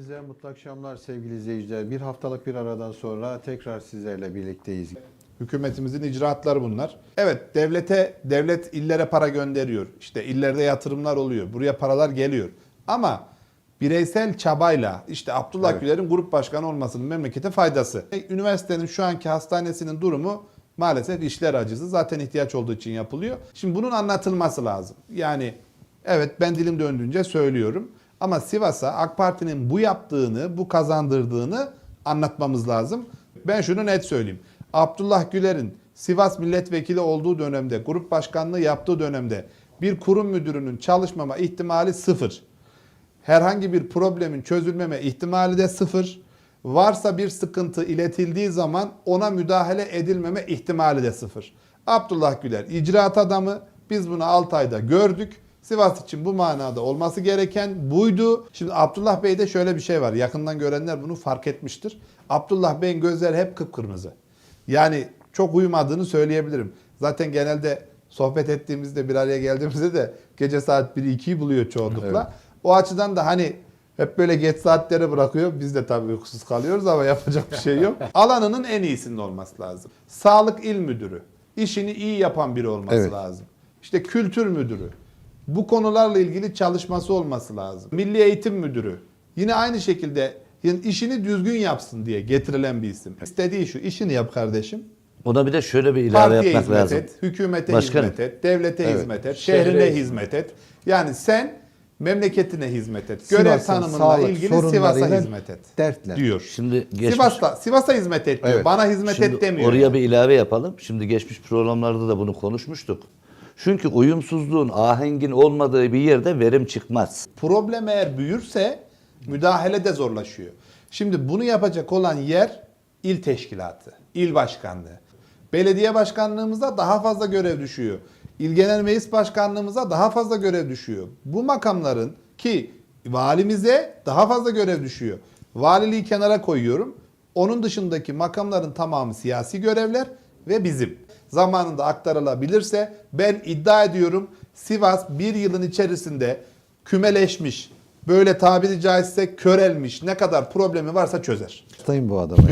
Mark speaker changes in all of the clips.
Speaker 1: Hepinize mutlu akşamlar sevgili izleyiciler. Bir haftalık bir aradan sonra tekrar sizlerle birlikteyiz.
Speaker 2: Hükümetimizin icraatları bunlar. Evet, devlet illere para gönderiyor. İşte illerde yatırımlar oluyor. Buraya paralar geliyor. Ama bireysel çabayla işte Abdullah Güler'in grup başkanı olmasının memlekete faydası. Üniversitenin şu anki hastanesinin durumu maalesef işler acısı. Zaten ihtiyaç olduğu için yapılıyor. Şimdi bunun anlatılması lazım. Yani evet, ben dilim döndüğünce söylüyorum. Ama Sivas'a AK Parti'nin bu yaptığını, bu kazandırdığını anlatmamız lazım. Ben şunu net söyleyeyim. Abdullah Güler'in Sivas milletvekili olduğu dönemde, grup başkanlığı yaptığı dönemde bir kurum müdürünün çalışmama ihtimali sıfır. Herhangi bir problemin çözülmeme ihtimali de sıfır. Varsa bir sıkıntı iletildiği zaman ona müdahale edilmeme ihtimali de sıfır. Abdullah Güler icraat adamı. Biz bunu 6 ayda gördük. Sivas için bu manada olması gereken buydu. Şimdi Abdullah Bey'de şöyle bir şey var. Yakından görenler bunu fark etmiştir. Abdullah Bey'in gözleri hep kıpkırmızı. Yani çok uyumadığını söyleyebilirim. Zaten genelde sohbet ettiğimizde, bir araya geldiğimizde de gece saat 1'i 2'yi buluyor çoğunlukla. Evet. O açıdan da hani hep böyle geç saatlere bırakıyor. Biz de tabii uykusuz kalıyoruz ama yapacak bir şey yok. Alanının en iyisinin olması lazım. Sağlık il müdürü. İşini iyi yapan biri olması lazım. İşte kültür müdürü. Bu konularla ilgili çalışması olması lazım. Milli Eğitim Müdürü. Yine aynı şekilde yani işini düzgün yapsın diye getirilen bir isim. İstediği şu, işini yap kardeşim.
Speaker 3: Ona bir de şöyle bir ilave
Speaker 2: Partiye
Speaker 3: yapmak
Speaker 2: hizmet
Speaker 3: lazım.
Speaker 2: et, hükümete
Speaker 3: Başkanım.
Speaker 2: hizmet et, devlete hizmet et, şehrine hizmet et. Yani sen memleketine hizmet et. Görev tanımıyla ilgili Sivas'a hizmet et.
Speaker 1: Dertler.
Speaker 2: Diyor.
Speaker 3: Şimdi
Speaker 2: Sivas'a hizmet et diyor. Bana hizmet et demiyor.
Speaker 3: Oraya yani bir ilave yapalım. Şimdi geçmiş programlarda da bunu konuşmuştuk. Çünkü uyumsuzluğun, ahengin olmadığı bir yerde verim çıkmaz.
Speaker 2: Problem eğer büyürse müdahale de zorlaşıyor. Şimdi bunu yapacak olan yer il teşkilatı, il başkanlığı. Belediye başkanlığımıza daha fazla görev düşüyor. İl Genel Meclis Başkanlığımıza daha fazla görev düşüyor. Bu makamların ki valimize daha fazla görev düşüyor. Valiliği kenara koyuyorum. Onun dışındaki makamların tamamı siyasi görevler ve bizim. Zamanında aktarılabilirse ben iddia ediyorum Sivas bir yılın içerisinde kümeleşmiş, böyle tabiri caizse körelmiş ne kadar problemi varsa çözer.
Speaker 1: Hastayım bu adama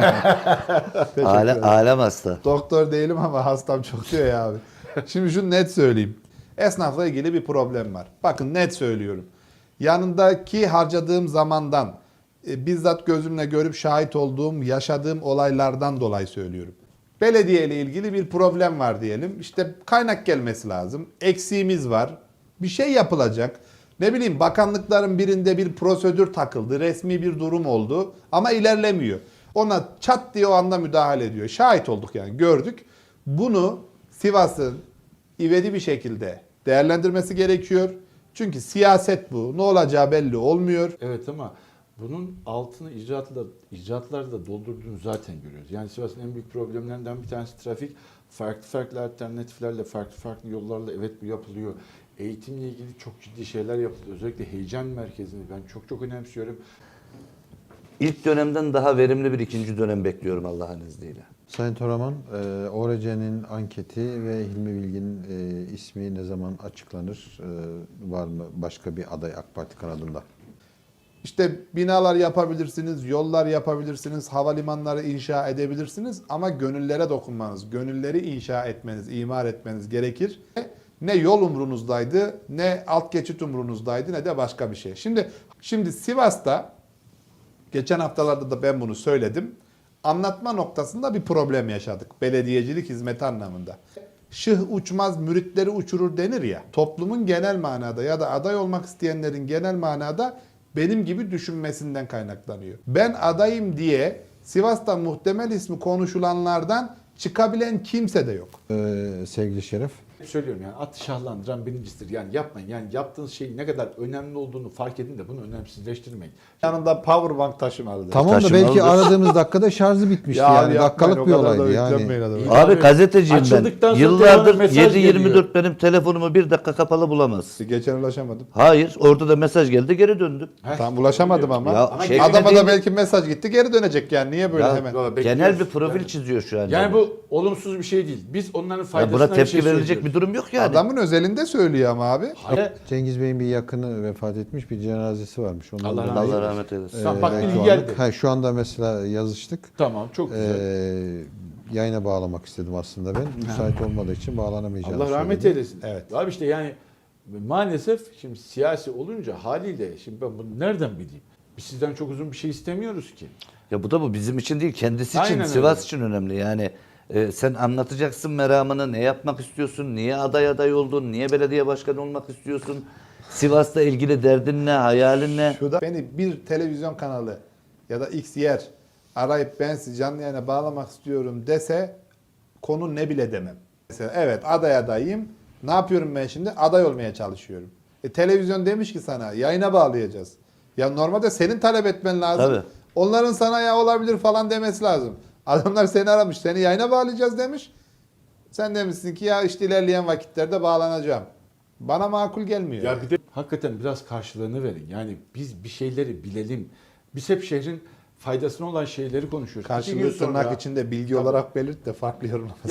Speaker 1: ya.
Speaker 3: Alem hasta.
Speaker 2: Doktor değilim ama hastam çok diyor ya abi. Şimdi şunu net söyleyeyim. Esnafla ilgili bir problem var. Bakın net söylüyorum. Yanındaki harcadığım zamandan bizzat gözümle görüp şahit olduğum, yaşadığım olaylardan dolayı söylüyorum. Belediye ile ilgili bir problem var diyelim. İşte kaynak gelmesi lazım. Eksiğimiz var. Bir şey yapılacak. Ne bileyim bakanlıkların birinde bir prosedür takıldı. Resmi bir durum oldu. Ama ilerlemiyor. Ona çat diye o anda müdahale ediyor. Şahit olduk yani gördük. Bunu Sivas'ın ivedi bir şekilde değerlendirmesi gerekiyor. Çünkü siyaset bu. Ne olacağı belli olmuyor.
Speaker 4: Evet ama bunun altını icraatlarda da doldurduğunu zaten görüyoruz. Yani Sivas'ın en büyük problemlerinden bir tanesi trafik. Farklı alternatiflerle, farklı yollarla evet bu yapılıyor. Eğitimle ilgili çok ciddi şeyler yapılıyor. Özellikle heyecan merkezini ben çok önemsiyorum.
Speaker 3: İlk dönemden daha verimli bir ikinci dönem bekliyorum Allah'ın izniyle.
Speaker 1: Sayın Toraman, ORC'nin anketi ve Hilmi Bilgin'in ismi ne zaman açıklanır? Var mı başka bir aday AK Parti kanadında?
Speaker 2: İşte binalar yapabilirsiniz, yollar yapabilirsiniz, havalimanları inşa edebilirsiniz ama gönüllere dokunmanız, gönülleri inşa etmeniz, imar etmeniz gerekir. Ne yol umrunuzdaydı, ne alt geçit umrunuzdaydı, ne de başka bir şey. Şimdi Sivas'ta, geçen haftalarda da ben bunu söyledim, anlatma noktasında bir problem yaşadık belediyecilik hizmeti anlamında. Şıh uçmaz müritleri uçurur denir ya, toplumun genel manada ya da aday olmak isteyenlerin genel manada benim gibi düşünmesinden kaynaklanıyor. Ben adayım diye Sivas'ta muhtemel ismi konuşulanlardan çıkabilen kimse de yok.
Speaker 1: Sevgili Şeref.
Speaker 4: Söylüyorum yani atı şahlandıran birincisidir. Yani yapmayın. Yani yaptığınız şeyin ne kadar önemli olduğunu fark edin de bunu önemsizleştirmeyin.
Speaker 2: Yanında powerbank taşımalıdır.
Speaker 1: Tamam da belki aradığımız dakikada şarjı bitmişti yani. Dakikalık bir olaydı yani.
Speaker 3: Abi gazeteciyim ben.
Speaker 4: Açıldıktan sonra
Speaker 3: Yıllardır
Speaker 4: mesaj
Speaker 3: 7-24 benim telefonumu bir dakika kapalı bulamaz.
Speaker 2: Geçen ulaşamadım.
Speaker 3: Hayır, orada da mesaj geldi, geri döndüm.
Speaker 2: Tam ulaşamadım ama.
Speaker 3: Ya,
Speaker 2: Adama
Speaker 3: değil
Speaker 2: da
Speaker 3: mi?
Speaker 2: belki mesaj gitti geri dönecek yani. Niye böyle
Speaker 3: Ya,
Speaker 2: hemen?
Speaker 3: Genel bir profil çiziyor şu an.
Speaker 4: Yani bu olumsuz bir şey değil. Biz onların
Speaker 3: Ya
Speaker 4: faydasına
Speaker 3: buna
Speaker 4: bir
Speaker 3: tepki
Speaker 4: şey
Speaker 3: verilecek
Speaker 4: söylüyoruz.
Speaker 3: bir bir durum yok yani.
Speaker 2: Adamın özelinde söylüyor ama abi.
Speaker 4: Hayır.
Speaker 1: Cengiz Bey'in bir yakını vefat etmiş, bir cenazesi varmış. Ondan
Speaker 4: Allah
Speaker 1: dolayı,
Speaker 3: Allah rahmet eylesin.
Speaker 4: Sen bak
Speaker 1: belki
Speaker 4: bilgi
Speaker 1: o
Speaker 4: geldi.
Speaker 1: anlık- şu anda mesela yazıştık.
Speaker 4: Tamam, çok güzel.
Speaker 1: Yayına bağlamak istedim aslında ben. Müsait olmadığı için bağlanamayacağını
Speaker 4: Allah rahmet
Speaker 1: söyledi.
Speaker 4: eylesin.
Speaker 2: Evet.
Speaker 4: Abi işte yani maalesef şimdi siyasi olunca haliyle şimdi ben bunu nereden bileyim? Biz sizden çok uzun bir şey istemiyoruz ki.
Speaker 3: Ya bu bizim için değil, kendisi için,
Speaker 4: Aynen öyle.
Speaker 3: Sivas için önemli. Yani sen anlatacaksın meramını, ne yapmak istiyorsun, niye aday oldun, niye belediye başkanı olmak istiyorsun, Sivas'la ilgili derdin ne, hayalin ne?
Speaker 2: Şurada beni bir televizyon kanalı ya da X yer arayıp ben sizi canlı yayına bağlamak istiyorum dese konu ne bile demem. Mesela evet adayım. Ne yapıyorum ben şimdi? Aday olmaya çalışıyorum. Televizyon demiş ki sana yayına bağlayacağız. Ya normalde senin talep etmen lazım.
Speaker 3: Tabii.
Speaker 2: Onların sana ya olabilir falan demesi lazım. Adamlar seni aramış. Seni yayına bağlayacağız demiş. Sen demişsin ki ya işte ilerleyen vakitlerde bağlanacağım. Bana makul gelmiyor.
Speaker 4: Ya bir de hakikaten biraz karşılığını verin. Yani biz bir şeyleri bilelim. Biz hep şehrin faydasına olan şeyleri konuşuyoruz. 2
Speaker 2: Karşılığı
Speaker 4: gün sonra-
Speaker 2: tırnak içinde bilgi
Speaker 4: Tabii.
Speaker 2: olarak belirt de farklı yorumlamasın.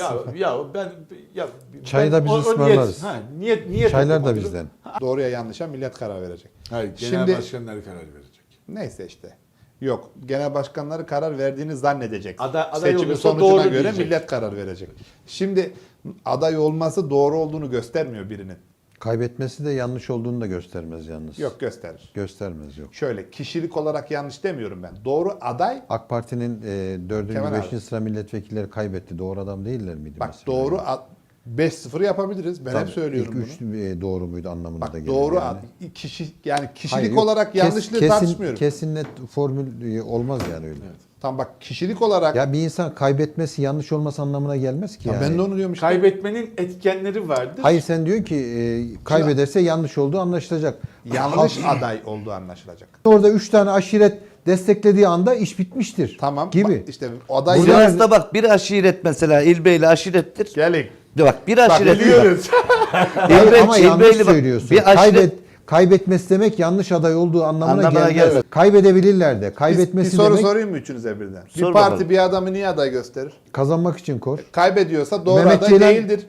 Speaker 4: Çayı
Speaker 1: da biz ısmarlarız.
Speaker 4: Niyet
Speaker 1: Çaylar da
Speaker 4: okumadır.
Speaker 1: bizden.
Speaker 2: Doğruya yanlışa millet karar verecek.
Speaker 4: Hayır, genel
Speaker 2: Şimdi-
Speaker 4: başkanları karar verecek.
Speaker 2: Neyse işte. Yok. Genel başkanları karar verdiğini zannedecek.
Speaker 4: Aday
Speaker 2: Seçimin
Speaker 4: olursa
Speaker 2: sonucuna
Speaker 4: doğru
Speaker 2: göre
Speaker 4: diyecek.
Speaker 2: millet karar verecek. Şimdi aday olması doğru olduğunu göstermiyor birinin.
Speaker 1: Kaybetmesi de yanlış olduğunu da göstermez yalnız.
Speaker 2: Yok gösterir.
Speaker 1: Göstermez yok.
Speaker 2: Şöyle kişilik olarak yanlış demiyorum ben. Doğru aday
Speaker 1: AK Parti'nin 4.
Speaker 2: Kemal
Speaker 1: 5. sıra milletvekilleri kaybetti. Doğru adam değiller miydi
Speaker 2: bak
Speaker 1: mesela?
Speaker 2: doğru 5-0 yapabiliriz. Ben
Speaker 1: Tabii,
Speaker 2: hep söylüyorum
Speaker 1: İlk
Speaker 2: bunu.
Speaker 1: 3 doğru muydu anlamına
Speaker 2: Bak
Speaker 1: da gelir.
Speaker 2: doğru
Speaker 1: yani.
Speaker 2: kişi yani kişilik
Speaker 1: Hayır, yok.
Speaker 2: olarak yanlışlığı tartışmıyorum.
Speaker 1: Kesin net formül olmaz yani öyle.
Speaker 2: Tam bak kişilik olarak
Speaker 1: Ya bir insan kaybetmesi yanlış olması anlamına gelmez ki
Speaker 2: Ya
Speaker 1: yani.
Speaker 2: ben de onu diyorum işte.
Speaker 4: Kaybetmenin etkenleri vardır.
Speaker 1: Hayır sen diyorsun ki kaybederse yanlış olduğu anlaşılacak.
Speaker 2: Yanlış aday olduğu anlaşılacak.
Speaker 1: Orada 3 tane aşiret desteklediği anda iş bitmiştir.
Speaker 2: Tamam.
Speaker 1: Gibi.
Speaker 2: Bak işte aday
Speaker 1: Burada-
Speaker 3: Sivas'ta bak bir aşiret mesela İlbeyli aşirettir.
Speaker 2: gelin.
Speaker 3: De bak bir aşiret.
Speaker 2: biliyoruz.
Speaker 1: Hayır, ama yanlış
Speaker 3: İlbeyli bak,
Speaker 1: söylüyorsun.
Speaker 3: bir aşiret
Speaker 1: Kaybetmesi demek yanlış aday olduğu anlamına
Speaker 3: Anlamına
Speaker 1: gelmez.
Speaker 3: gelmez.
Speaker 1: Kaybedebilirler de.
Speaker 2: Bir
Speaker 1: Kaybetmesi
Speaker 2: soru
Speaker 1: demek
Speaker 2: sorayım mı üçünüze birden?
Speaker 3: Sor
Speaker 2: Bir parti
Speaker 3: bakalım.
Speaker 2: bir adamı niye aday gösterir?
Speaker 1: kazanmak için kor.
Speaker 2: Kaybediyorsa doğru
Speaker 1: Mehmet
Speaker 2: aday
Speaker 1: Ceylan-
Speaker 2: değildir.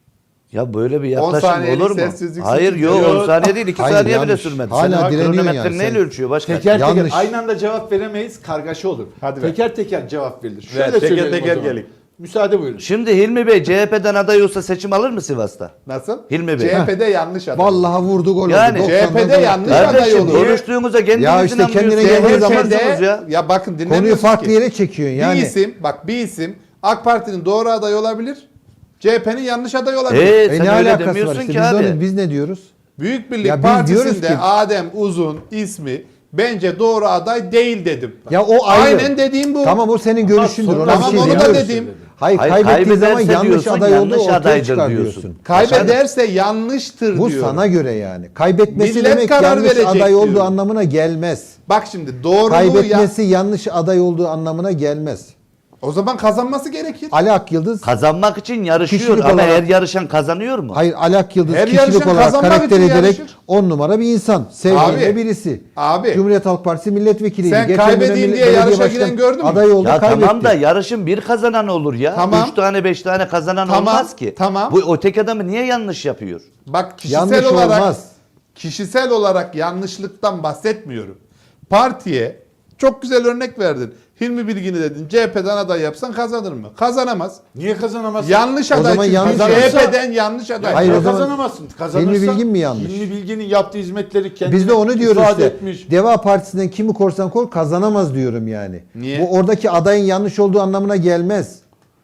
Speaker 3: ya böyle bir
Speaker 2: 10
Speaker 3: yaklaşım
Speaker 2: saniyelik
Speaker 3: olur mu?
Speaker 2: sessizlik
Speaker 3: Hayır
Speaker 2: sıkıntı
Speaker 3: yok
Speaker 2: yok.
Speaker 3: 10 saniye değil 2
Speaker 1: Hayır,
Speaker 3: saniye bile
Speaker 1: yanlış.
Speaker 3: sürmedi.
Speaker 1: Hala
Speaker 3: Sen
Speaker 1: direniyorsun
Speaker 3: kronometrenin
Speaker 1: yani.
Speaker 3: neyle
Speaker 1: Sen-
Speaker 3: ölçüyor başkan?
Speaker 4: Teker teker
Speaker 1: Yanlış.
Speaker 4: aynı anda cevap veremeyiz, kargaşa olur.
Speaker 2: Hadi ver.
Speaker 4: teker teker cevap verilir.
Speaker 2: Ver,
Speaker 4: Şöyle
Speaker 2: teker
Speaker 4: söyleyelim o
Speaker 2: teker
Speaker 4: zaman.
Speaker 2: gelin.
Speaker 4: Müsaade buyurun.
Speaker 3: Şimdi Hilmi Bey CHP'den aday olsa seçim alır mı Sivas'ta?
Speaker 2: Nasıl?
Speaker 3: Hilmi Bey.
Speaker 2: CHP'de yanlış aday.
Speaker 1: Vallahi vurdu gol
Speaker 3: Yani
Speaker 1: oldu.
Speaker 2: CHP'de
Speaker 1: 90'dan
Speaker 2: yanlış
Speaker 1: gol attı.
Speaker 2: aday
Speaker 3: Kardeşim
Speaker 2: olur.
Speaker 3: konuştuğunuza kendiniz
Speaker 1: Ya işte kendine
Speaker 3: inanmıyorsunuz.
Speaker 1: geldiği zaman-
Speaker 3: Konuşuyorsunuz
Speaker 2: ya bakın
Speaker 1: Konuyu
Speaker 2: dinlemiyorsunuz
Speaker 1: farklı
Speaker 2: ki.
Speaker 1: yere çekiyorsun yani.
Speaker 2: Bir isim AK Parti'nin doğru aday olabilir. CHP'nin yanlış aday olabilir.
Speaker 3: Sen
Speaker 1: ne
Speaker 3: öyle
Speaker 1: alakası var
Speaker 3: demiyorsun
Speaker 1: işte
Speaker 3: ki
Speaker 1: biz,
Speaker 3: abi.
Speaker 1: biz ne diyoruz?
Speaker 2: Büyük Birlik
Speaker 1: Ya biz diyoruz
Speaker 2: Partisi'nde
Speaker 1: ki-
Speaker 2: Adem Uzun ismi bence doğru aday değil dedim.
Speaker 1: Ya o ayrı.
Speaker 2: Aynen dediğim bu.
Speaker 1: Tamam o senin görüşündür.
Speaker 4: sonra-
Speaker 1: Ona bir
Speaker 2: Tamam
Speaker 1: şey
Speaker 2: onu da
Speaker 1: demiyoruz.
Speaker 2: dedim.
Speaker 1: Hayır,
Speaker 3: Hayır,
Speaker 1: kaybettiği zaman
Speaker 3: kaybederse
Speaker 1: yanlış
Speaker 3: diyorsun,
Speaker 1: aday olduğu
Speaker 3: yanlış
Speaker 1: ortaya
Speaker 3: adaydır
Speaker 1: çıkar
Speaker 3: diyorsun.
Speaker 1: diyorsun.
Speaker 2: Kaybederse yanlıştır
Speaker 1: Bu
Speaker 2: diyorum.
Speaker 1: sana göre yani. Kaybetmesi
Speaker 2: Millet
Speaker 1: demek
Speaker 2: karar
Speaker 1: yanlış
Speaker 2: verecek
Speaker 1: aday olduğu
Speaker 2: diyorum.
Speaker 1: anlamına gelmez.
Speaker 2: Bak şimdi doğruluğu
Speaker 1: Kaybetmesi yanlış aday olduğu anlamına gelmez.
Speaker 2: o zaman kazanması gerekir.
Speaker 1: Ali Akyıldız
Speaker 3: Kazanmak için yarışıyor
Speaker 1: Kişilik
Speaker 3: ama
Speaker 1: olarak-
Speaker 3: her yarışan kazanıyor mu?
Speaker 1: hayır Ali Akyıldız
Speaker 2: Her
Speaker 1: kişilik
Speaker 2: yarışan
Speaker 1: olarak
Speaker 2: kazanmak
Speaker 1: karakter
Speaker 2: için
Speaker 1: ederek
Speaker 2: yarışır.
Speaker 1: 10 numara bir insan. Sevdiğinde
Speaker 2: Abi,
Speaker 1: birisi.
Speaker 2: abi.
Speaker 1: Cumhuriyet Halk Partisi milletvekiliydi.
Speaker 2: Sen
Speaker 1: Geçen
Speaker 2: kaybedeyim
Speaker 1: dönem
Speaker 2: diye
Speaker 1: belediye
Speaker 2: yarışa
Speaker 1: başkan
Speaker 2: giren gördün mü?
Speaker 1: Aday oldu
Speaker 3: Ya
Speaker 1: kaybetti.
Speaker 3: tamam da yarışın bir kazanan olur ya.
Speaker 2: Tamam.
Speaker 3: 3 tane 5 tane kazanan
Speaker 2: Tamam,
Speaker 3: olmaz ki.
Speaker 2: tamam.
Speaker 3: Bu öteki adamı niye yanlış yapıyor?
Speaker 2: Bak kişisel
Speaker 1: Yanlış
Speaker 2: olarak
Speaker 1: olmaz.
Speaker 2: kişisel olarak yanlışlıktan bahsetmiyorum. Partiye çok güzel örnek verdin. Hilmi Bilgin'i dedin. CHP'den aday yapsan kazanır mı? Kazanamaz.
Speaker 4: Niye kazanamazsın?
Speaker 2: Yanlış
Speaker 1: O
Speaker 2: aday
Speaker 1: zaman
Speaker 2: çünkü.
Speaker 1: yanlış
Speaker 2: CHP'den yanlış aday.
Speaker 1: Hayır,
Speaker 4: Niye
Speaker 1: o zaman
Speaker 4: kazanamazsın? Kazanırsan,
Speaker 1: Hilmi Bilgin mi yanlış?
Speaker 4: Hilmi Bilgin'in yaptığı hizmetleri kendine
Speaker 1: Biz de onu diyoruz
Speaker 4: ifade
Speaker 1: işte.
Speaker 4: etmiş.
Speaker 1: Deva Partisi'nden kimi korsan kor kazanamaz diyorum yani.
Speaker 2: Niye?
Speaker 1: Bu oradaki adayın yanlış olduğu anlamına gelmez.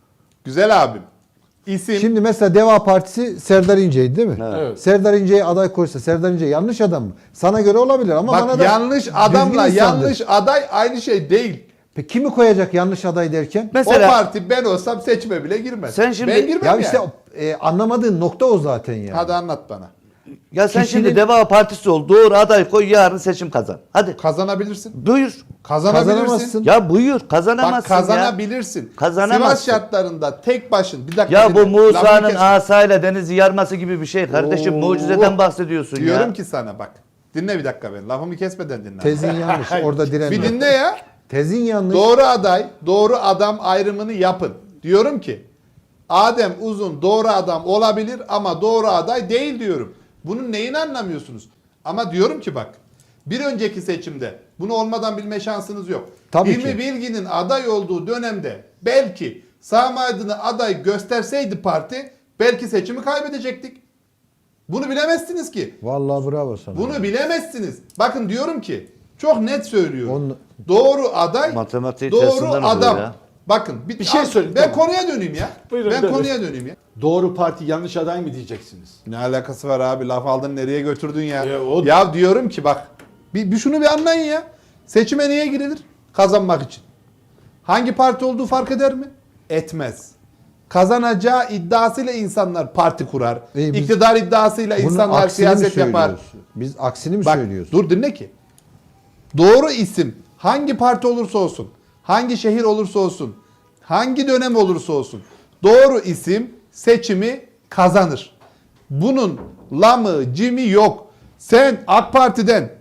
Speaker 2: Güzel abim. İsim
Speaker 1: Şimdi mesela Deva Partisi Serdar İnce'ydi değil mi?
Speaker 4: Evet.
Speaker 1: Serdar İnce'ye aday koysa Serdar İnce yanlış adam mı? Sana göre olabilir ama bana
Speaker 2: bak
Speaker 1: da
Speaker 2: yanlış adamla
Speaker 1: düzgün insandır.
Speaker 2: yanlış aday aynı şey değil.
Speaker 1: Peki kimi koyacak yanlış aday derken?
Speaker 3: Mesela
Speaker 2: o parti ben olsam seçime bile girmez.
Speaker 3: Sen şimdi-
Speaker 2: ben girmem
Speaker 1: Ya
Speaker 2: yani.
Speaker 1: işte anlamadığın nokta o zaten yani.
Speaker 2: Hadi anlat bana.
Speaker 3: ya sen
Speaker 1: kişinin-
Speaker 3: şimdi Deva Partisi ol. Doğru aday koy yarın seçim kazan. Hadi
Speaker 2: Kazanabilirsin.
Speaker 3: buyur.
Speaker 2: Kazanabilirsin.
Speaker 1: Kazanamazsın.
Speaker 3: Ya buyur kazanamazsın
Speaker 2: Bak kazanabilirsin.
Speaker 3: Kazanamazsın.
Speaker 2: Sivas şartlarında tek başın bir dakika.
Speaker 3: ya. Ya bu
Speaker 2: dinle. Lafını
Speaker 3: Musa'nın
Speaker 2: kesme.
Speaker 3: asayla denizi yarması gibi bir şey kardeşim.
Speaker 2: Oo.
Speaker 3: Mucizeden bahsediyorsun
Speaker 2: Diyorum
Speaker 3: ya.
Speaker 2: ki sana bak. Dinle bir dakika beni. Lafımı kesmeden dinle.
Speaker 1: Tezin yanlış. Orada direnme.
Speaker 2: Bir dinle ya.
Speaker 1: Tezin yanlış.
Speaker 2: Doğru aday, doğru adam ayrımını yapın. Diyorum ki Adem Uzun doğru adam olabilir ama doğru aday değil diyorum. Bunun neyini anlamıyorsunuz? Ama diyorum ki bak, bir önceki seçimde bunu olmadan bilme şansınız yok.
Speaker 1: Tabii
Speaker 2: Hilmi
Speaker 1: ki.
Speaker 2: Bilgin'in aday olduğu dönemde belki Sami Aydın'ı aday gösterseydi parti belki seçimi kaybedecektik. Bunu bilemezsiniz ki.
Speaker 1: Vallahi bravo sana.
Speaker 2: Bunu bilemezsiniz. Bakın diyorum ki çok net söylüyorum.
Speaker 1: Onu-
Speaker 2: Doğru aday,
Speaker 3: Matematiği
Speaker 2: doğru
Speaker 3: tersinden oluyor
Speaker 2: adam.
Speaker 3: ya.
Speaker 2: Bakın
Speaker 4: Bir şey söyleyeyim,
Speaker 2: Ben
Speaker 4: tamam.
Speaker 2: konuya döneyim ya.
Speaker 4: Buyurun,
Speaker 2: ben
Speaker 4: buyurun.
Speaker 2: konuya döneyim ya.
Speaker 4: Doğru parti yanlış aday mı diyeceksiniz?
Speaker 2: Ne alakası var abi? Laf aldın nereye götürdün ya?
Speaker 4: O-
Speaker 2: Ya diyorum ki bak bir şunu bir anlayın ya. Seçime niye girilir? Kazanmak için. Hangi parti olduğu fark eder mi? Etmez. Kazanacağı iddiasıyla insanlar parti kurar.
Speaker 1: biz
Speaker 2: İktidar iddiasıyla
Speaker 1: Bunun
Speaker 2: insanlar
Speaker 1: aksini mi
Speaker 2: siyaset yapar.
Speaker 1: söylüyoruz? Biz aksini mi
Speaker 2: Bak
Speaker 1: söylüyoruz?
Speaker 2: dur dinle ki. Doğru isim hangi parti olursa olsun, hangi şehir olursa olsun, hangi dönem olursa olsun doğru isim seçimi kazanır. Bunun lamı, cimi yok. Sen AK Parti'den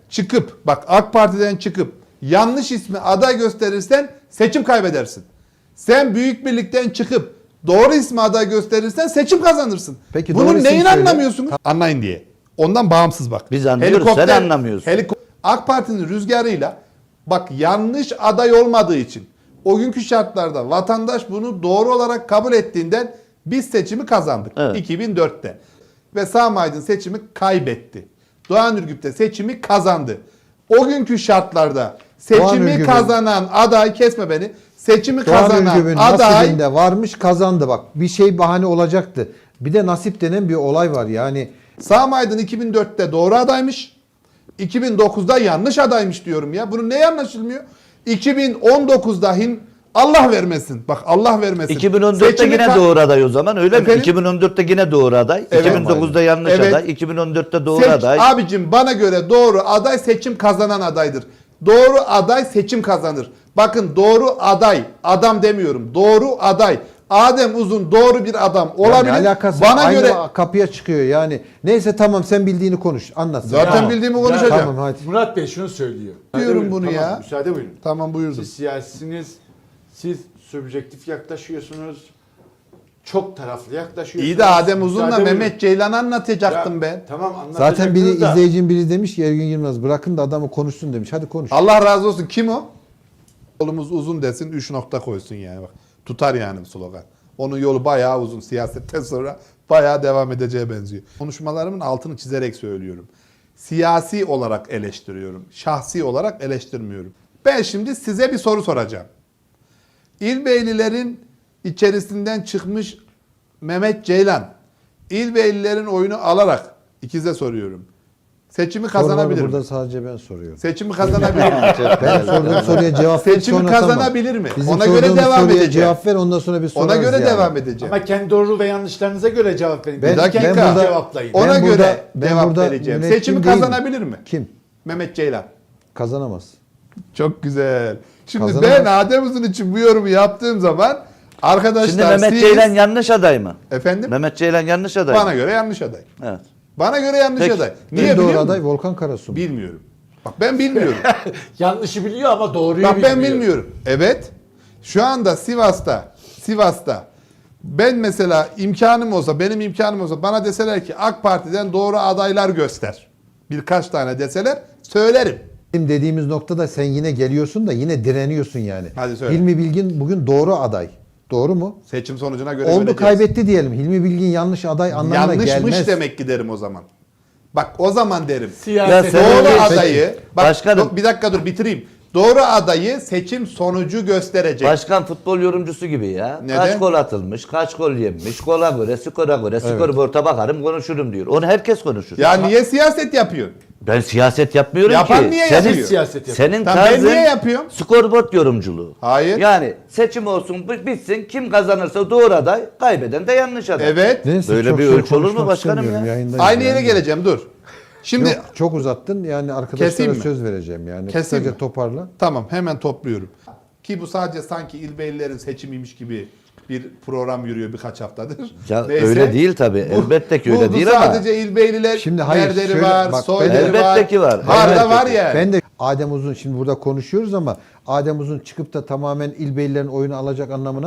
Speaker 2: çıkıp yanlış ismi aday gösterirsen seçim kaybedersin. Sen Büyük Birlik'ten çıkıp doğru ismi aday gösterirsen seçim kazanırsın.
Speaker 1: Peki, doğru
Speaker 2: bunun
Speaker 1: isim
Speaker 2: neyini
Speaker 1: söyle.
Speaker 2: anlamıyorsunuz? Anlayın diye. Ondan bağımsız bak.
Speaker 3: Biz anlıyoruz, sen anlamıyorsun.
Speaker 2: AK Parti'nin rüzgarıyla bak yanlış aday olmadığı için o günkü şartlarda vatandaş bunu doğru olarak kabul ettiğinden biz seçimi kazandık.
Speaker 3: Evet.
Speaker 2: 2004'te. Ve Sami Aydın seçimi kaybetti. Doğan Ürgüp de seçimi kazandı. O günkü şartlarda seçimi
Speaker 1: Ürgüp'ün-
Speaker 2: kazanan aday, kesme beni, seçimi
Speaker 1: Doğan
Speaker 2: kazanan
Speaker 1: Ürgüp'ün
Speaker 2: aday
Speaker 1: nasibinde varmış, kazandı bak. Bir şey bahane olacaktı. Bir de nasip denen bir olay var yani.
Speaker 2: Sami Aydın 2004'te doğru adaymış. 2009'da yanlış adaymış diyorum ya. Bunun ne anlaşılmıyor? 2019'da Allah vermesin. Bak Allah vermesin.
Speaker 3: 2014'te
Speaker 2: Seçimi
Speaker 3: yine doğru aday o zaman öyle
Speaker 2: Efendim?
Speaker 3: mi? 2014'te yine doğru aday.
Speaker 2: Evet.
Speaker 3: 2009'da yanlış
Speaker 2: Evet.
Speaker 3: aday. 2014'te doğru aday.
Speaker 2: Abicim bana göre doğru aday seçim kazanan adaydır. Doğru aday seçim kazanır. Bakın doğru aday, adam demiyorum. Doğru aday. Adem Uzun doğru bir adam olabilir.
Speaker 1: Yani alakası
Speaker 2: bana
Speaker 1: aynı
Speaker 2: göre
Speaker 1: kapıya çıkıyor yani. Neyse tamam sen bildiğini konuş. Anlat. sen.
Speaker 2: zaten
Speaker 4: Tamam.
Speaker 2: bildiğimi konuşacağım.
Speaker 1: Tamam hadi.
Speaker 4: Murat Bey şunu söylüyor.
Speaker 2: Diyorum
Speaker 4: Müsaade
Speaker 2: bunu
Speaker 4: buyurun,
Speaker 2: ya.
Speaker 4: Tamam, müsaade buyurun.
Speaker 2: Tamam buyurdum.
Speaker 4: Siz siyasisiniz, siz subjektif yaklaşıyorsunuz, çok taraflı yaklaşıyorsunuz.
Speaker 2: İyi de Adem Uzun'la
Speaker 4: Müsaade buyurun.
Speaker 2: Mehmet Ceylan'ı anlatacaktım
Speaker 4: Ya,
Speaker 2: ben.
Speaker 4: Tamam
Speaker 1: Zaten biri
Speaker 4: anlatacaktınız da.
Speaker 1: izleyicinin biri demiş ki Ergün Yılmaz bırakın da adamı konuşsun demiş. Hadi konuş.
Speaker 2: Allah razı olsun. Kim o? Yolumuz uzun desin, 3 nokta koysun yani bak. Tutar yani slogan. Onun yolu bayağı uzun. Siyasetten sonra bayağı devam edeceğe benziyor. Konuşmalarımın altını çizerek söylüyorum. Siyasi olarak eleştiriyorum. Şahsi olarak eleştirmiyorum. Ben şimdi size bir soru soracağım. İlbeylilerin içerisinden çıkmış Mehmet Ceylan, İlbeylilerin oyunu alarak ikize soruyorum. Seçimi kazanabilir
Speaker 1: Soruları
Speaker 2: mi?
Speaker 1: burada sadece ben soruyorum.
Speaker 2: Seçimi kazanabilir mi?
Speaker 1: Ben sorduğum soruya cevap ver.
Speaker 2: Seçimi
Speaker 1: sonra
Speaker 2: kazanabilir
Speaker 1: tamam.
Speaker 2: mi?
Speaker 1: Bizim
Speaker 2: Ona göre
Speaker 1: sorduğumuz
Speaker 2: devam
Speaker 1: soruya
Speaker 2: edeceğim.
Speaker 1: cevap ver ondan sonra bir sorarız
Speaker 2: Ona göre
Speaker 1: yani.
Speaker 2: devam edeceğim.
Speaker 4: Ama kendi doğru ve yanlışlarınıza göre cevap verin.
Speaker 1: Ben-
Speaker 4: Bir dakika
Speaker 1: ben burada-
Speaker 4: cevaplayın.
Speaker 2: Ona
Speaker 1: Ben
Speaker 2: göre
Speaker 1: burada- ben
Speaker 2: cevap
Speaker 1: burada
Speaker 2: vereceğim.
Speaker 1: müneccim
Speaker 2: Seçimi
Speaker 1: değilim.
Speaker 2: kazanabilir mi?
Speaker 1: Kim?
Speaker 2: Mehmet Ceylan.
Speaker 1: Kazanamaz.
Speaker 2: Çok güzel. Şimdi
Speaker 1: Kazanamaz.
Speaker 2: ben Adem Uzun için bu yorumu yaptığım zaman arkadaşlar
Speaker 3: Şimdi Mehmet
Speaker 2: siz...
Speaker 3: Ceylan yanlış aday mı?
Speaker 2: Efendim?
Speaker 3: Mehmet Ceylan yanlış aday mı?
Speaker 2: Bana göre yanlış aday.
Speaker 3: Evet.
Speaker 2: Bana göre yanlış
Speaker 3: Peki.
Speaker 2: aday.
Speaker 1: En
Speaker 2: Niye
Speaker 1: doğru
Speaker 2: biliyor
Speaker 1: aday
Speaker 2: musun?
Speaker 1: Volkan Karasu.
Speaker 2: Bilmiyorum. Bak ben bilmiyorum.
Speaker 4: Yanlışı biliyor ama doğruyu
Speaker 2: Bak
Speaker 4: bilmiyor.
Speaker 2: ben bilmiyorum. Evet. Şu anda Sivas'ta ben mesela benim imkanım olsa bana deseler ki AK Parti'den doğru adaylar göster. Birkaç tane deseler söylerim.
Speaker 1: Bizim dediğimiz noktada sen yine geliyorsun da yine direniyorsun yani.
Speaker 2: Hadi söyle.
Speaker 1: Hilmi Bilgin bugün doğru aday. Doğru mu?
Speaker 2: Seçim sonucuna göre
Speaker 1: Oldu
Speaker 2: göreceğiz.
Speaker 1: kaybetti diyelim. Hilmi Bilgin yanlış aday anlamına
Speaker 2: Yanlışmış
Speaker 1: gelmez.
Speaker 2: demek ki derim o zaman. Bak o zaman derim.
Speaker 4: Siyaset.
Speaker 3: Ya sen-
Speaker 2: Doğru
Speaker 3: Peki.
Speaker 2: adayı, bak
Speaker 3: Başkanım.
Speaker 2: bir dakika dur bitireyim. Doğru adayı seçim sonucu gösterecek.
Speaker 3: Başkan futbol yorumcusu gibi ya.
Speaker 2: Neden?
Speaker 3: Kaç gol atılmış, kaç gol yenmiş, gola göre, skora göre, skorboarda bakarım konuşurum diyor. Onu herkes konuşur.
Speaker 2: Ya niye siyaset yapıyor?
Speaker 3: Ben siyaset yapmıyorum
Speaker 2: Yapan
Speaker 3: ki.
Speaker 2: niye
Speaker 3: senin,
Speaker 2: yapıyor?
Speaker 4: Siyaset yapıyor.
Speaker 3: Senin
Speaker 2: Tamam, ben
Speaker 3: tarzın
Speaker 2: niye yapıyorum?
Speaker 3: skorboard yorumculuğu.
Speaker 2: Hayır.
Speaker 3: Yani seçim olsun bitsin kim kazanırsa doğru aday, kaybeden de yanlış aday.
Speaker 2: Evet.
Speaker 1: Neyse,
Speaker 3: Böyle
Speaker 1: çok
Speaker 3: bir
Speaker 1: şey
Speaker 3: ölçü olur mu
Speaker 1: konuşmak
Speaker 3: başkanım
Speaker 1: istemiyorum,
Speaker 3: ya?
Speaker 1: yayındayız
Speaker 2: Aynı yere
Speaker 1: yani.
Speaker 2: geleceğim dur. Şimdi
Speaker 1: Yok, çok uzattın yani arkadaşlara
Speaker 2: Keseyim mi?
Speaker 1: söz vereceğim yani.
Speaker 2: Keseyim
Speaker 1: Kısaca
Speaker 2: mi?
Speaker 1: toparla.
Speaker 2: tamam hemen topluyorum. Ki bu sadece sanki İlbeylilerin seçimiymiş gibi bir program yürüyor birkaç haftadır.
Speaker 3: Ya
Speaker 2: Neyse.
Speaker 3: öyle değil tabii. Elbette ki öyle
Speaker 2: bu
Speaker 3: değil ama.
Speaker 2: sadece İlbeyliler
Speaker 1: Şimdi hayır,
Speaker 2: Nerleri
Speaker 1: şöyle
Speaker 2: var,
Speaker 1: bak,
Speaker 2: Soyları
Speaker 3: elbette
Speaker 2: var.
Speaker 3: ki var.
Speaker 2: Var da
Speaker 3: Elbette
Speaker 2: var
Speaker 3: ki.
Speaker 2: yani.
Speaker 1: Ben de Adem Uzun şimdi burada konuşuyoruz ama Adem Uzun çıkıp da tamamen İlbeylilerin oyunu alacak anlamına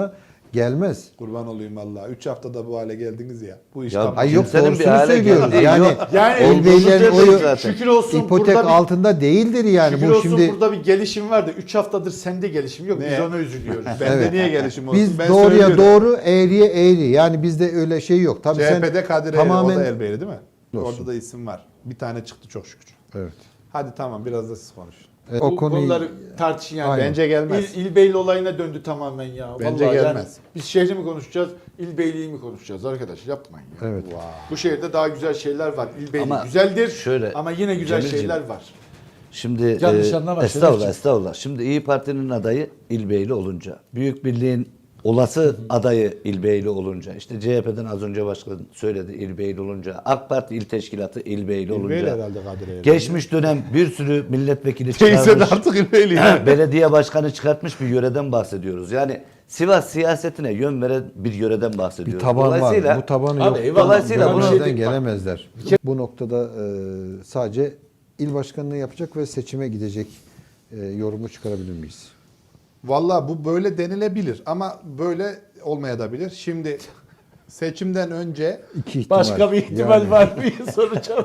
Speaker 1: Gelmez.
Speaker 2: Kurban olayım vallahi. 3 haftada bu hale geldiniz ya. Bu iş
Speaker 3: Ya
Speaker 2: tam-
Speaker 1: Ay yok,
Speaker 3: Kimsenin bir
Speaker 1: doğrusunu
Speaker 3: hale
Speaker 1: söylüyoruz.
Speaker 3: geldiği
Speaker 1: Yani,
Speaker 3: yok.
Speaker 4: Yani
Speaker 1: El Beylerin
Speaker 4: şükür-
Speaker 1: oyu
Speaker 4: şükür olsun
Speaker 1: ipotek
Speaker 4: burada bir-
Speaker 1: altında değildir yani.
Speaker 4: Şükür
Speaker 1: Bu
Speaker 4: olsun
Speaker 1: şimdi
Speaker 4: burada bir gelişim var da 3 haftadır sende gelişim yok. Biz
Speaker 2: Ne?
Speaker 4: ona üzülüyoruz.
Speaker 2: Bende
Speaker 1: Evet.
Speaker 2: niye gelişim olsun?
Speaker 1: biz
Speaker 2: Ben
Speaker 1: doğruya
Speaker 2: söylüyorum.
Speaker 1: doğru, eğriye eğri. Yani bizde öyle şey yok. Tabii
Speaker 2: CHP'de Kadir
Speaker 1: tamamen-
Speaker 2: o da Elbeyli değil mi?
Speaker 1: Olsun.
Speaker 2: Orada da isim var. Bir tane çıktı çok şükür.
Speaker 1: Evet.
Speaker 2: Hadi tamam biraz da siz konuşun.
Speaker 1: O
Speaker 4: Bu
Speaker 1: konuyu
Speaker 4: konuları tartışın yani.
Speaker 1: Aynen.
Speaker 2: Bence gelmez.
Speaker 4: İlbeyli olayına döndü tamamen ya.
Speaker 2: Bence
Speaker 4: Vallahi
Speaker 2: gelmez.
Speaker 4: Yani biz şehri mi konuşacağız, İlbeyliği mi konuşacağız arkadaş? Yapmayın ya.
Speaker 1: evet.
Speaker 4: Bu şehirde daha güzel şeyler var. İlbeyli
Speaker 3: Ama
Speaker 4: güzeldir
Speaker 3: şöyle,
Speaker 4: ama yine güzel
Speaker 3: Cemilciğim,
Speaker 4: şeyler var.
Speaker 3: Şimdi
Speaker 4: Yanlış anlama,
Speaker 3: estağfurullah,
Speaker 4: Şerefciğim.
Speaker 3: estağfurullah. Şimdi İyi Parti'nin adayı İlbeyli olunca, Büyük Birliğin olası adayı İlbeyli olunca, işte CHP'den az önce başkan söyledi İlbeyli olunca, AK Parti İl Teşkilatı İlbeyli olunca,
Speaker 2: İlbeyli herhalde Kadir Elbeyli.
Speaker 3: geçmiş dönem bir sürü milletvekili
Speaker 2: Teyze de
Speaker 3: çıkarmış,
Speaker 2: artık İlbeyli yani.
Speaker 3: belediye başkanı çıkartmış bir yöreden bahsediyoruz. Yani Sivas siyasetine yön veren bir yöreden
Speaker 1: Bir
Speaker 3: bahsediyoruz.
Speaker 1: taban var. Bu tabanı
Speaker 4: Abi
Speaker 1: yok.
Speaker 4: eyvallah,
Speaker 3: Dolayısıyla
Speaker 4: buna bir
Speaker 3: bunu-
Speaker 4: şey
Speaker 1: Görmezden
Speaker 4: değil. Bak,
Speaker 1: gelemezler. Bu noktada sadece il başkanlığı yapacak ve seçime gidecek yorumu çıkarabilir miyiz?
Speaker 2: Valla bu böyle denilebilir ama böyle olmayabilir. Şimdi seçimden önce
Speaker 1: İki ihtimal.
Speaker 4: Başka bir ihtimal
Speaker 1: Yani.
Speaker 4: var mı soracağım.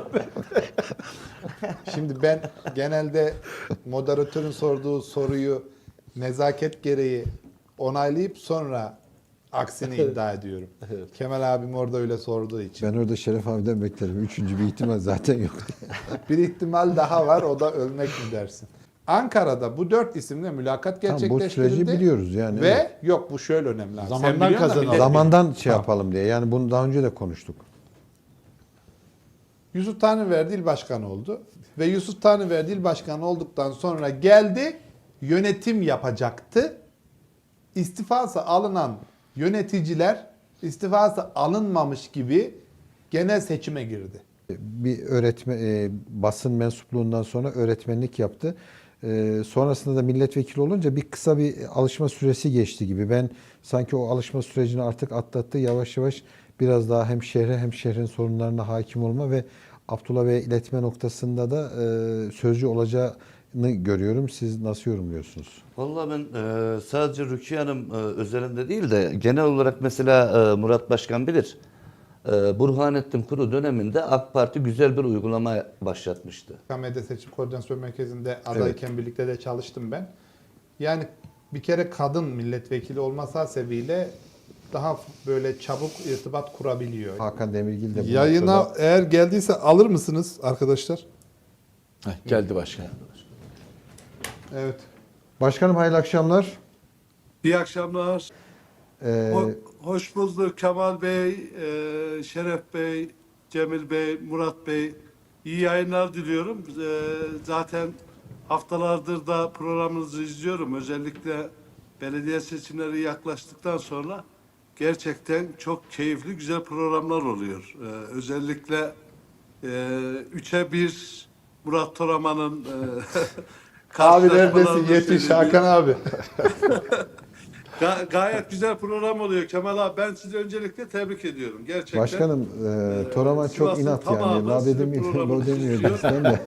Speaker 2: şimdi ben genelde moderatörün sorduğu soruyu nezaket gereği onaylayıp sonra aksini iddia ediyorum. Kemal abim orada öyle sorduğu için.
Speaker 1: Ben orada Şeref abiden beklerim. Üçüncü bir ihtimal zaten yok.
Speaker 2: Bir ihtimal daha var, o da ölmek mi dersin? Ankara'da bu 4 isimle mülakat
Speaker 1: Tamam, bu
Speaker 2: gerçekleştirildi.
Speaker 1: süreci biliyoruz yani.
Speaker 2: Ve
Speaker 1: Evet.
Speaker 2: yok bu şöyle önemli. abi.
Speaker 4: Zamandan
Speaker 2: Sen biliyorsun da
Speaker 4: kazanalım.
Speaker 2: millet
Speaker 1: Zamandan şey
Speaker 2: Tamam.
Speaker 1: yapalım diye. Yani bunu daha önce de konuştuk.
Speaker 2: Yusuf Tanrıverdi il başkanı oldu. Ve Yusuf Tanrıverdi il başkanı olduktan sonra geldi, yönetim yapacaktı. İstifası alınan yöneticiler istifası alınmamış gibi genel seçime girdi.
Speaker 1: Bir basın mensupluğundan sonra öğretmenlik yaptı. Sonrasında da milletvekili olunca bir kısa bir alışma süresi geçti gibi. Ben sanki o alışma sürecini artık atlattı. Yavaş yavaş biraz daha hem şehre hem şehrin sorunlarına hakim olma ve Abdullah Bey'e iletme noktasında da sözcü olacağını görüyorum. Siz nasıl yorumluyorsunuz?
Speaker 3: Vallahi ben sadece Rukiye Hanım özelinde değil de genel olarak mesela Murat Başkan bilir. Burhanettin Kuru döneminde AK Parti güzel bir uygulama başlatmıştı.
Speaker 2: KMD Seçim Koordinasyon Merkezi'nde adayken birlikte de çalıştım ben. Yani bir kere kadın milletvekili olması hasebiyle daha böyle çabuk irtibat kurabiliyor.
Speaker 1: Hakan Demirgil de bu
Speaker 2: Yayına
Speaker 1: noktada-
Speaker 2: eğer geldiyse alır mısınız arkadaşlar?
Speaker 4: Geldi başkan.
Speaker 2: Evet.
Speaker 1: Başkanım hayırlı akşamlar.
Speaker 5: İyi akşamlar.
Speaker 1: Ee,
Speaker 5: Hoş bulduk Kemal Bey, Şeref Bey, Cemil Bey, Murat Bey. İyi yayınlar diliyorum. Zaten haftalardır da programınızı izliyorum. Özellikle belediye seçimleri yaklaştıktan sonra gerçekten çok keyifli, güzel programlar oluyor. Özellikle 3'e 1 Murat Toraman'ın
Speaker 2: Abi neredesin?
Speaker 5: karşılaşmalarını
Speaker 2: Yetiş
Speaker 5: söyleyeyim.
Speaker 2: Hakan abi.
Speaker 5: Gayet güzel program oluyor Kemal abi. Ben sizi öncelikle tebrik ediyorum. Gerçekten.
Speaker 1: Başkanım Toraman çok
Speaker 5: Sivas'ın
Speaker 1: inat yani.
Speaker 5: tamamı
Speaker 1: La
Speaker 5: sizin
Speaker 1: dedim,
Speaker 5: programınızı
Speaker 1: lo demiyor
Speaker 5: izliyor.
Speaker 1: bizden de.